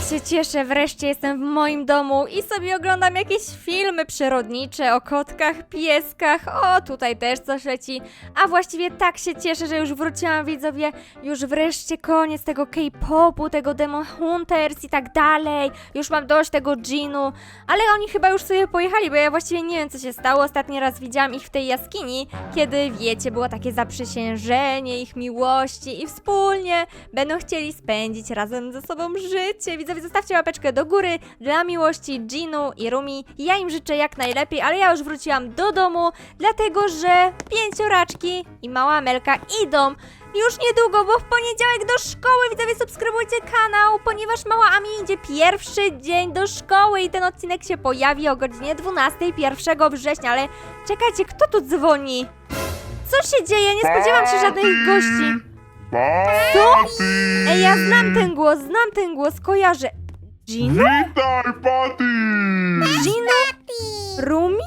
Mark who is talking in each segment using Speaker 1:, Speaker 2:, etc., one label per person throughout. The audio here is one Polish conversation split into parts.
Speaker 1: się cieszę, wreszcie jestem w moim domu i sobie oglądam jakieś filmy przyrodnicze o kotkach, pieskach. O, tutaj też coś leci. A właściwie tak się cieszę, że już wróciłam, widzowie. Już wreszcie koniec tego K-popu, tego Demon Hunters i tak dalej. Już mam dość tego Ginu. Ale oni chyba już sobie pojechali, bo ja właściwie nie wiem, co się stało. Ostatni raz widziałam ich w tej jaskini, kiedy, wiecie, było takie zaprzysiężenie ich miłości i wspólnie będą chcieli spędzić razem ze sobą życie. Widzowie, zostawcie łapeczkę do góry dla miłości Ginu i Rumi. Ja im życzę jak najlepiej, ale ja już wróciłam do domu, dlatego że pięcioraczki i mała Amelka idą już niedługo, bo w poniedziałek do szkoły. Widzowie, subskrybujcie kanał, ponieważ mała Ami idzie pierwszy dzień do szkoły i ten odcinek się pojawi o godzinie 12, 1 września, ale czekajcie, kto tu dzwoni? Co się dzieje? Nie spodziewam się żadnych gości. Co? Ej, ja znam ten głos, kojarzę. Gino?
Speaker 2: Witaj, Patty!
Speaker 1: Gino? Rumi?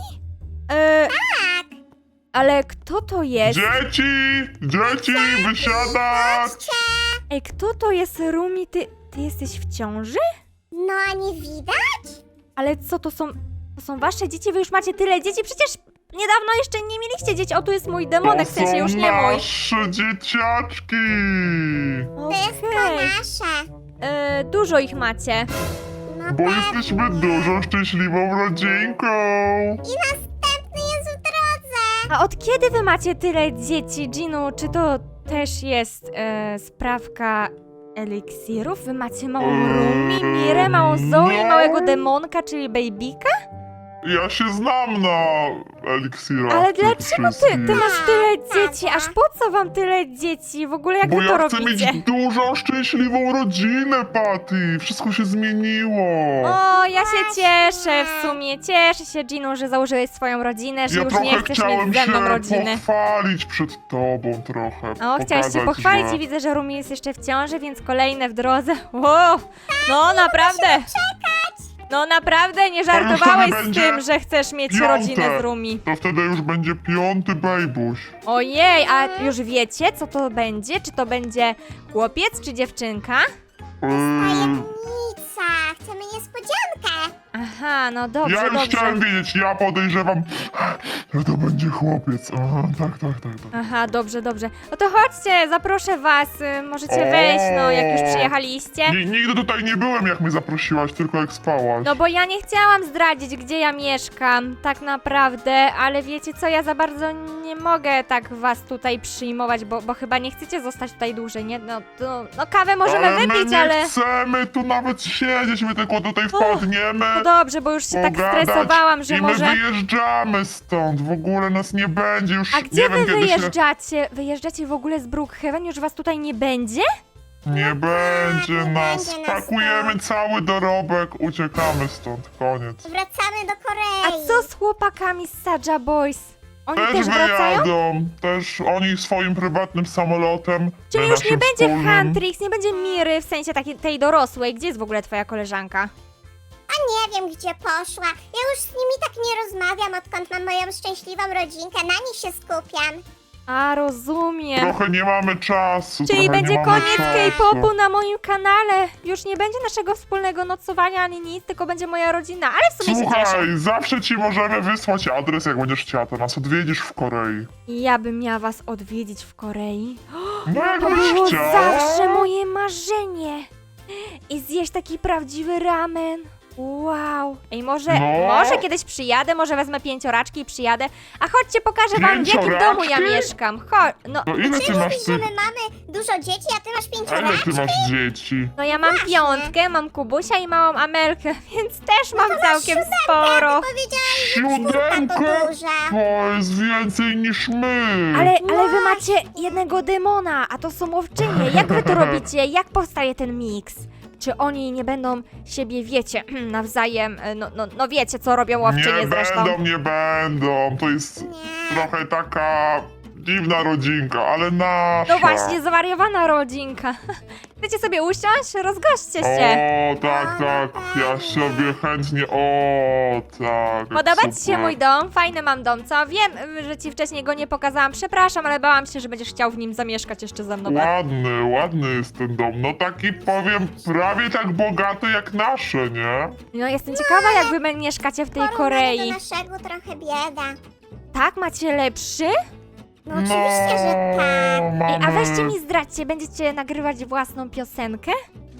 Speaker 1: Ale kto to jest?
Speaker 2: Dzieci, wysiadać!
Speaker 1: Ej, kto to jest Rumi? Ty jesteś w ciąży?
Speaker 3: No, a nie widać?
Speaker 1: Ale co, to są wasze dzieci? Wy już macie tyle dzieci? Przecież niedawno jeszcze nie mieliście dzieci. O, tu jest mój demonek, w sensie już nie mój.
Speaker 2: nasze dzieciaczki!
Speaker 3: To jest to
Speaker 1: Okej.
Speaker 3: nasze.
Speaker 1: Dużo ich macie.
Speaker 3: No
Speaker 2: Bo
Speaker 3: pewnie.
Speaker 2: jesteśmy dużą, szczęśliwą rodzinką!
Speaker 3: I następny jest w drodze.
Speaker 1: A od kiedy wy macie tyle dzieci, Ginu? Czy to też jest sprawka eliksirów? Wy macie małą Rumi, Mirę, małą Zoe,
Speaker 2: no.
Speaker 1: małego demonka, czyli babyka?
Speaker 2: Ja się znam na eliksirach.
Speaker 1: Ale
Speaker 2: tych
Speaker 1: dlaczego ty
Speaker 2: wszystkich.
Speaker 1: masz tyle dzieci? Aż po co wam tyle dzieci? W ogóle jak
Speaker 2: Bo
Speaker 1: wy to
Speaker 2: ja chcę
Speaker 1: robicie?
Speaker 2: mieć dużą, szczęśliwą rodzinę, Patty! Wszystko się zmieniło!
Speaker 1: O, ja się cieszę w sumie. Cieszę się, Ginu, że założyłeś swoją rodzinę, że
Speaker 2: Ja
Speaker 1: już
Speaker 2: trochę
Speaker 1: nie chcesz
Speaker 2: chciałem
Speaker 1: mieć ze mną
Speaker 2: się
Speaker 1: rodziny.
Speaker 2: pochwalić przed tobą trochę.
Speaker 1: O, chciałeś się
Speaker 2: pokazać,
Speaker 1: pochwalić
Speaker 2: że-
Speaker 1: i widzę, że Rumi jest jeszcze w ciąży, więc kolejne w drodze. Wow, no naprawdę. No naprawdę nie żartowałeś
Speaker 2: wtedy
Speaker 1: z
Speaker 2: będzie
Speaker 1: tym, że chcesz mieć
Speaker 2: piąte.
Speaker 1: rodzinę z Rumi.
Speaker 2: To wtedy już będzie 5. bejbuś.
Speaker 1: Ojej, a już wiecie, co to będzie? Czy to będzie chłopiec, czy dziewczynka?
Speaker 3: Tajemnica. Chcemy niespodziankę.
Speaker 1: Aha, no dobrze,
Speaker 2: Ja już
Speaker 1: dobrze.
Speaker 2: chciałem wiedzieć, ja podejrzewam, że to będzie chłopiec. Aha, tak.
Speaker 1: Aha, dobrze, dobrze. No to chodźcie, zaproszę was, możecie wejść, no jak już przyjechaliście.
Speaker 2: Nigdy tutaj nie byłem, jak mnie zaprosiłaś, tylko jak spałaś.
Speaker 1: No bo ja nie chciałam zdradzić, gdzie ja mieszkam, tak naprawdę, ale wiecie co, ja za bardzo nie mogę tak was tutaj przyjmować, bo chyba nie chcecie zostać tutaj dłużej, nie? No kawę możemy
Speaker 2: ale my
Speaker 1: wypić,
Speaker 2: nie
Speaker 1: ale...
Speaker 2: chcemy tu nawet siedzieć, my tylko tutaj wpadniemy,
Speaker 1: No dobrze, bo już się tak
Speaker 2: pogadać
Speaker 1: stresowałam, że
Speaker 2: i my
Speaker 1: może...
Speaker 2: wyjeżdżamy stąd, w ogóle nas nie będzie już,
Speaker 1: A gdzie
Speaker 2: nie
Speaker 1: wy
Speaker 2: wiem kiedy się...
Speaker 1: wyjeżdżacie? Wyjeżdżacie w ogóle z Brookhaven? Już was tutaj nie będzie?
Speaker 2: Nie będzie
Speaker 3: nie
Speaker 2: nas,
Speaker 3: będzie nas
Speaker 2: pakujemy
Speaker 3: tu.
Speaker 2: cały dorobek, uciekamy stąd, koniec.
Speaker 3: Wracamy do
Speaker 1: A
Speaker 3: Korei.
Speaker 1: co z chłopakami z Saja Boys? Oni
Speaker 2: Też
Speaker 1: też wracają?
Speaker 2: wyjadą, też oni swoim prywatnym samolotem.
Speaker 1: Czyli
Speaker 2: my
Speaker 1: już nie
Speaker 2: naszym
Speaker 1: będzie
Speaker 2: wspólnym.
Speaker 1: Huntrix, nie będzie Miry, w sensie takiej tej dorosłej. Gdzie jest w ogóle twoja koleżanka?
Speaker 3: A nie wiem, gdzie poszła. Ja już z nimi tak nie rozmawiam, odkąd mam moją szczęśliwą rodzinkę. Na nich się skupiam.
Speaker 1: A, rozumiem.
Speaker 2: Trochę nie mamy czasu.
Speaker 1: Czyli
Speaker 2: trochę
Speaker 1: będzie
Speaker 2: nie mamy
Speaker 1: koniec
Speaker 2: czasu.
Speaker 1: K-popu na moim kanale. Już nie będzie naszego wspólnego nocowania ani nic, tylko będzie moja rodzina, ale w sumie się cieszę.
Speaker 2: Słuchaj, zawsze ci możemy wysłać adres, jak będziesz chciała, to nas odwiedzisz w Korei.
Speaker 1: Ja bym miała was odwiedzić w Korei.
Speaker 2: No jak
Speaker 1: To
Speaker 2: byś
Speaker 1: było
Speaker 2: chciała.
Speaker 1: zawsze moje marzenie. I zjeść taki prawdziwy ramen. Wow. Ej, może
Speaker 2: No.
Speaker 1: kiedyś przyjadę, może wezmę pięcioraczki i przyjadę. A chodźcie, pokażę wam, w jakim domu ja
Speaker 2: Pięcioraczki?
Speaker 1: mieszkam. Chodź, no,
Speaker 2: No ile ty masz
Speaker 3: Mówisz, że
Speaker 2: tych...
Speaker 3: my mamy dużo dzieci, a ty masz
Speaker 2: Ile
Speaker 3: pięcioraczki?
Speaker 2: ty masz dzieci?
Speaker 1: no ja mam
Speaker 3: Właśnie.
Speaker 1: piątkę, mam Kubusia i małą Amelkę, więc też mam całkiem sporo.
Speaker 3: Powiedziałam, że czwórka
Speaker 2: Siódemkę?
Speaker 3: to duża.
Speaker 2: To jest więcej niż my.
Speaker 1: Ale wy macie jednego demona, a to są łowczynie. Jak wy to robicie? Jak powstaje ten miks? Czy oni nie będą siebie, wiecie, nawzajem, no wiecie, co robią łowczynie
Speaker 2: Nie
Speaker 1: zresztą.
Speaker 2: będą, nie będą. To jest
Speaker 3: Nie.
Speaker 2: trochę taka dziwna rodzinka, ale nasza.
Speaker 1: No właśnie, zwariowana rodzinka. Chcecie sobie usiąść? Rozgośćcie się.
Speaker 2: O, tak, tak, ja sobie chętnie, o, tak.
Speaker 1: Podoba ci się
Speaker 2: super.
Speaker 1: mój dom? Fajny mam dom, co? Wiem, że ci wcześniej go nie pokazałam, przepraszam, ale bałam się, że będziesz chciał w nim zamieszkać jeszcze ze mną.
Speaker 2: Ładny jest ten dom, no taki powiem, prawie tak bogaty jak nasze, nie?
Speaker 1: No jestem ciekawa, jak wy mieszkacie w tej
Speaker 3: Porównanie
Speaker 1: Korei.
Speaker 3: do naszego trochę bieda.
Speaker 1: Tak? Macie lepszy?
Speaker 3: No oczywiście, że tak.
Speaker 1: Ej,
Speaker 2: mamy...
Speaker 1: a weźcie mi zdradźcie, będziecie nagrywać własną piosenkę?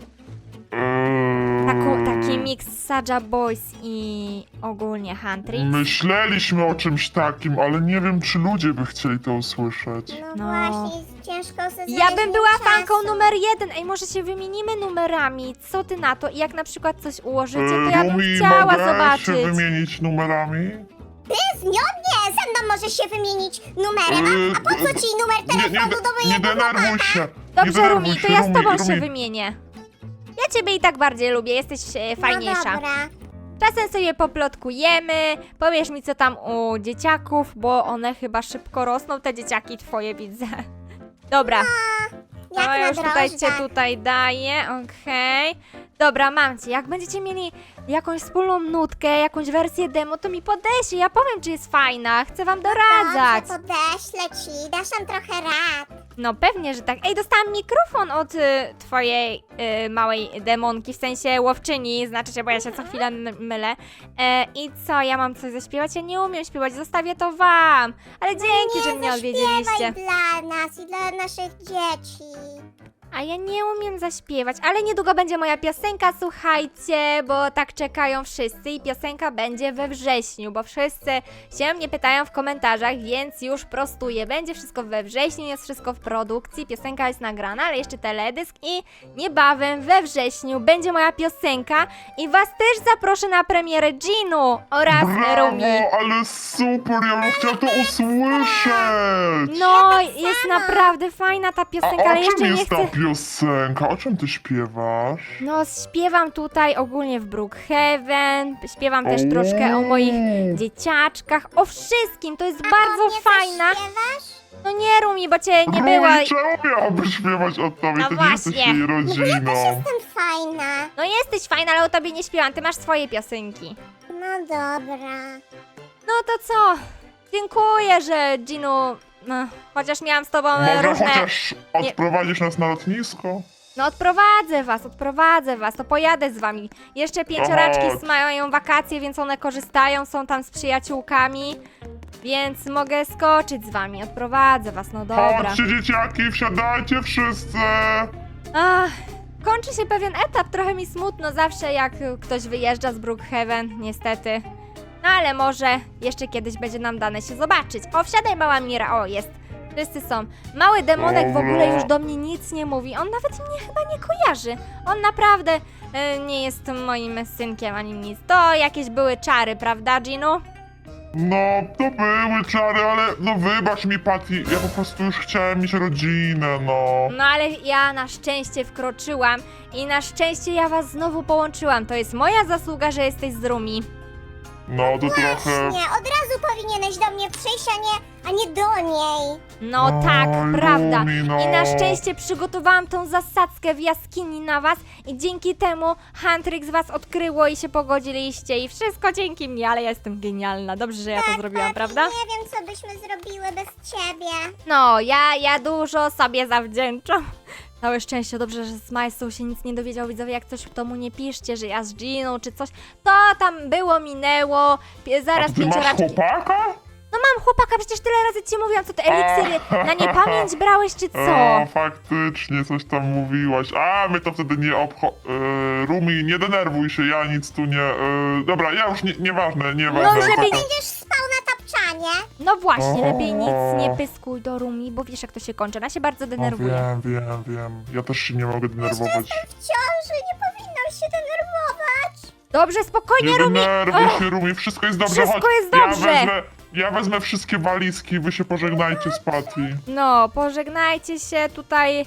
Speaker 1: Taki miks Saja Boys i ogólnie Huntrix.
Speaker 2: Myśleliśmy o czymś takim, ale nie wiem, czy ludzie by chcieli to usłyszeć.
Speaker 3: No,
Speaker 1: No.
Speaker 3: właśnie, jest ciężko sobie
Speaker 1: Ja bym
Speaker 3: znaleźć
Speaker 1: była
Speaker 3: czasu.
Speaker 1: fanką numer 1. Ej, może się wymienimy numerami? Co ty na to? I jak na przykład coś ułożycie, to ja bym
Speaker 2: Rumi,
Speaker 1: chciała
Speaker 2: mogę
Speaker 1: zobaczyć.
Speaker 2: się wymienić numerami?
Speaker 3: Ty z nią nie, ze mną możesz się wymienić numerem. A po co ci numer telefonu do
Speaker 2: nie
Speaker 3: mojego
Speaker 2: denerwuj
Speaker 3: chłopaka?
Speaker 2: się. nie
Speaker 1: Dobrze,
Speaker 2: denerwuj
Speaker 1: Rumi, to
Speaker 2: się,
Speaker 1: ja z tobą
Speaker 2: Rumi.
Speaker 1: się wymienię. Ja ciebie i tak bardziej lubię, jesteś fajniejsza.
Speaker 3: No dobra.
Speaker 1: Czasem sobie poplotkujemy, powiesz mi co tam u dzieciaków, bo one chyba szybko rosną, te dzieciaki twoje widzę. Dobra,
Speaker 3: Jak
Speaker 1: no
Speaker 3: na
Speaker 1: już tutaj cię
Speaker 3: drożdżach.
Speaker 1: tutaj daję, okej. Dobra, mam cię, jak będziecie mieli jakąś wspólną nutkę, jakąś wersję demo, to mi podejście, ja powiem czy jest fajna, chcę wam doradzać.
Speaker 3: Dobrze, podeślę ci, dasz nam trochę rad.
Speaker 1: No pewnie, że tak. Ej, dostałam mikrofon od twojej małej demonki, w sensie łowczyni, znaczy się, bo ja się co chwilę mylę. I co, ja mam coś zaśpiewać? Ja nie umiem śpiewać, zostawię to wam. Ale dzięki, że mnie odwiedziliście.
Speaker 3: Zaśpiewaj dla nas i dla naszych dzieci.
Speaker 1: A ja nie umiem zaśpiewać, ale niedługo będzie moja piosenka, słuchajcie, bo tak czekają wszyscy i piosenka będzie we wrześniu, bo wszyscy się mnie pytają w komentarzach, więc już prostuję. Będzie wszystko we wrześniu, jest wszystko w produkcji, piosenka jest nagrana, ale jeszcze teledysk i niebawem we wrześniu będzie moja piosenka i was też zaproszę na premierę Ginu oraz Rumi.
Speaker 2: Brawo, ale super, ja bym chciał to usłyszeć.
Speaker 1: No, jest naprawdę fajna ta
Speaker 2: A
Speaker 1: piosenka,
Speaker 2: o
Speaker 1: ale
Speaker 2: czym
Speaker 1: jeszcze nie
Speaker 2: jest
Speaker 1: chcę...
Speaker 2: ta piosenka? O czym ty śpiewasz?
Speaker 1: No, śpiewam tutaj ogólnie w Brookhaven, śpiewam też troszkę o moich dzieciaczkach, o wszystkim, to jest
Speaker 3: A
Speaker 1: bardzo
Speaker 3: o mnie
Speaker 1: fajna.
Speaker 3: coś śpiewasz?
Speaker 1: No nie, Rumi, bo cię nie była.
Speaker 2: Rumi, czemu miałaby śpiewać o tobie?
Speaker 1: No
Speaker 2: Ty
Speaker 1: właśnie.
Speaker 2: nie jesteś jej rodziną.
Speaker 3: Jestem fajna.
Speaker 1: No jesteś fajna, ale o tobie nie śpiewam, ty masz swoje piosenki.
Speaker 3: No dobra.
Speaker 1: No to co? Dziękuję, że Ginu, no, chociaż miałam z tobą
Speaker 2: Może
Speaker 1: różne...
Speaker 2: chociaż odprowadzisz nas na lotnisko?
Speaker 1: No odprowadzę was, to pojadę z wami. Jeszcze pięcioraczki
Speaker 2: chodź.
Speaker 1: mają wakacje, więc one korzystają, są tam z przyjaciółkami, więc mogę skoczyć z wami, odprowadzę was, no dobra.
Speaker 2: Chodźcie dzieciaki, wsiadajcie wszyscy!
Speaker 1: Ach, kończy się pewien etap, trochę mi smutno zawsze jak ktoś wyjeżdża z Brookhaven, niestety. No ale może jeszcze kiedyś będzie nam dane się zobaczyć. O, wsiadaj mała Mira, o jest. Wszyscy są. Mały demonek w ogóle już do mnie nic nie mówi. On nawet mnie chyba nie kojarzy. On naprawdę nie jest moim synkiem ani nic. To jakieś były czary, prawda, Ginu?
Speaker 2: No, to były czary, ale no wybacz mi, Patty, ja po prostu już chciałem mieć rodzinę, no.
Speaker 1: No ale ja na szczęście wkroczyłam i na szczęście ja was znowu połączyłam. To jest moja zasługa, że jesteś z Rumi.
Speaker 2: No, to trochę...
Speaker 3: Nie, od razu powinieneś do mnie przyjść, a nie do niej.
Speaker 1: No
Speaker 2: Oj,
Speaker 1: tak, prawda.
Speaker 2: Lumi, no.
Speaker 1: I na szczęście przygotowałam tą zasadzkę w jaskini na was i dzięki temu Huntrix was odkryło i się pogodziliście i wszystko dzięki mnie, ale ja jestem genialna. Dobrze, że ja to zrobiłam,
Speaker 3: Tak,
Speaker 1: prawda?
Speaker 3: Nie wiem, co byśmy zrobiły bez ciebie.
Speaker 1: No, ja dużo sobie zawdzięczam. Całe szczęście, dobrze, że z Majsą się nic nie dowiedział, widzowie, jak coś to mu nie piszcie, że ja z Giną czy coś. To tam było, minęło,
Speaker 2: A
Speaker 1: zaraz
Speaker 2: ty masz
Speaker 1: pięcioraczki.
Speaker 2: chłopaka?
Speaker 1: No mam chłopaka, przecież tyle razy ci mówiłam, co ty eliksiry na niepamięć brałeś czy co?
Speaker 2: O, faktycznie, coś tam mówiłaś. A, my to wtedy nie Rumi, nie denerwuj się, ja nic tu nie... dobra, ja już nieważne.
Speaker 1: No, żeby nie-
Speaker 3: Będziesz spał na tapczanie.
Speaker 1: No właśnie, lepiej nic
Speaker 2: O.
Speaker 1: nie pyskuj do Rumi, bo wiesz jak to się kończy, ona się bardzo
Speaker 2: No,
Speaker 1: denerwuje.
Speaker 2: wiem. Ja też się nie mogę denerwować.
Speaker 3: W ciąży nie powinnam się denerwować.
Speaker 1: Dobrze, spokojnie
Speaker 2: Nie
Speaker 1: Rumi!
Speaker 2: denerwuj
Speaker 1: Och,
Speaker 2: się, Rumi, wszystko jest dobrze.
Speaker 1: Wszystko
Speaker 2: Chodź,
Speaker 1: jest dobrze.
Speaker 2: Ja wezmę wszystkie walizki, wy się pożegnajcie z Patty.
Speaker 1: No, pożegnajcie się tutaj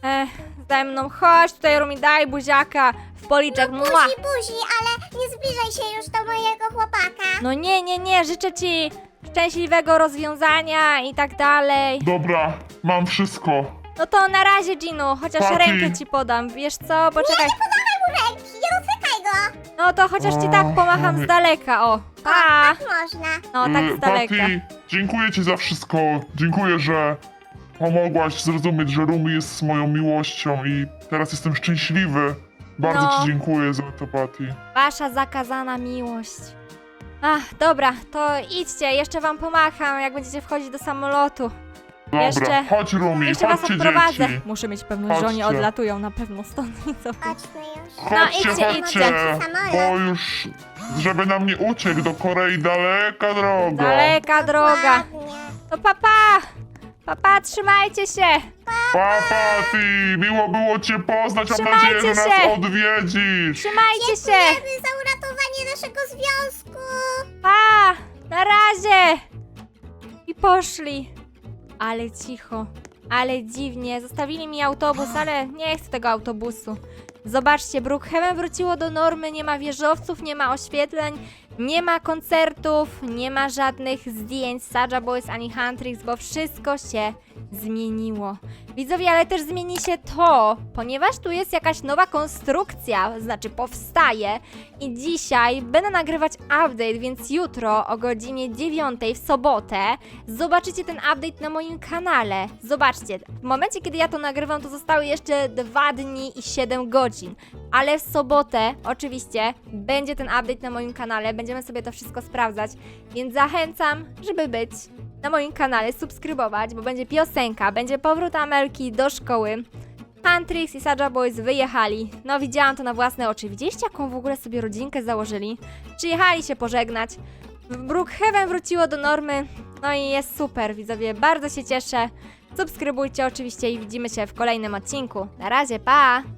Speaker 1: ze mną, chodź tutaj Rumi, daj buziaka w policzek, mua.
Speaker 3: Buzi, ale nie zbliżaj się już do mojego chłopaka.
Speaker 1: No nie, życzę ci szczęśliwego rozwiązania i tak dalej.
Speaker 2: Dobra, mam wszystko.
Speaker 1: No to na razie, Ginu, chociaż
Speaker 2: Papi.
Speaker 1: rękę ci podam. Wiesz co, poczekaj.
Speaker 3: Podawaj mu ręki, nie dotykaj go.
Speaker 1: No to chociaż ci tak pomacham z daleka, o. Pa!
Speaker 3: Tak można.
Speaker 1: No, tak z daleka.
Speaker 2: Patty, dziękuję ci za wszystko. Dziękuję, że pomogłaś zrozumieć, że Rumi jest moją miłością i teraz jestem szczęśliwy. Bardzo
Speaker 1: No.
Speaker 2: ci dziękuję za to, Patty.
Speaker 1: Wasza zakazana miłość. Ach, dobra, to idźcie, jeszcze wam pomacham, jak będziecie wchodzić do samolotu.
Speaker 2: Dobra,
Speaker 1: Jeszcze-
Speaker 2: chodź Rumi,
Speaker 1: Jeszcze was
Speaker 2: chodźcie
Speaker 1: odprowadzę.
Speaker 2: dzieci.
Speaker 1: Muszę mieć pewność, że oni
Speaker 2: Chodźcie.
Speaker 1: odlatują na pewno stąd. I co?
Speaker 3: Chodźmy już.
Speaker 2: Chodźcie,
Speaker 1: idźcie,
Speaker 2: chodźcie,
Speaker 1: idźcie.
Speaker 2: bo już, żeby nam nie uciekł do Korei, daleka droga.
Speaker 1: Daleka droga.
Speaker 3: Ładnie.
Speaker 1: To papa! Papa, trzymajcie się!
Speaker 2: Pa, Patty, miło było cię poznać, mam
Speaker 1: Trzymajcie
Speaker 2: nadzieję, że nas
Speaker 1: się.
Speaker 2: odwiedzisz.
Speaker 1: Trzymajcie się!
Speaker 3: Dziękujemy za uratowanie naszego związku.
Speaker 1: Pa! Na razie! I poszli. Ale cicho, ale dziwnie. Zostawili mi autobus, ale nie chcę tego autobusu. Zobaczcie, Brookhaven wróciło do normy, nie ma wieżowców, nie ma oświetleń, nie ma koncertów, nie ma żadnych zdjęć Saja Boys ani Huntrix, bo wszystko się zmieniło. Widzowie, ale też zmieni się to, ponieważ tu jest jakaś nowa konstrukcja, znaczy powstaje i dzisiaj będę nagrywać update, więc jutro o godzinie 9 w sobotę zobaczycie ten update na moim kanale. Zobaczcie, w momencie kiedy ja to nagrywam, to zostały jeszcze 2 dni i 7 godzin, ale w sobotę oczywiście będzie ten update na moim kanale, będziemy sobie to wszystko sprawdzać, więc zachęcam, żeby być na moim kanale, subskrybować, bo będzie piosenka, będzie powrót Amelki do szkoły. Huntrix i Saja Boys wyjechali. No widziałam to na własne oczy. Widzieliście, jaką w ogóle sobie rodzinkę założyli? Przyjechali się pożegnać. Brookhaven wróciło do normy. No i jest super, widzowie. Bardzo się cieszę. Subskrybujcie oczywiście i widzimy się w kolejnym odcinku. Na razie, pa!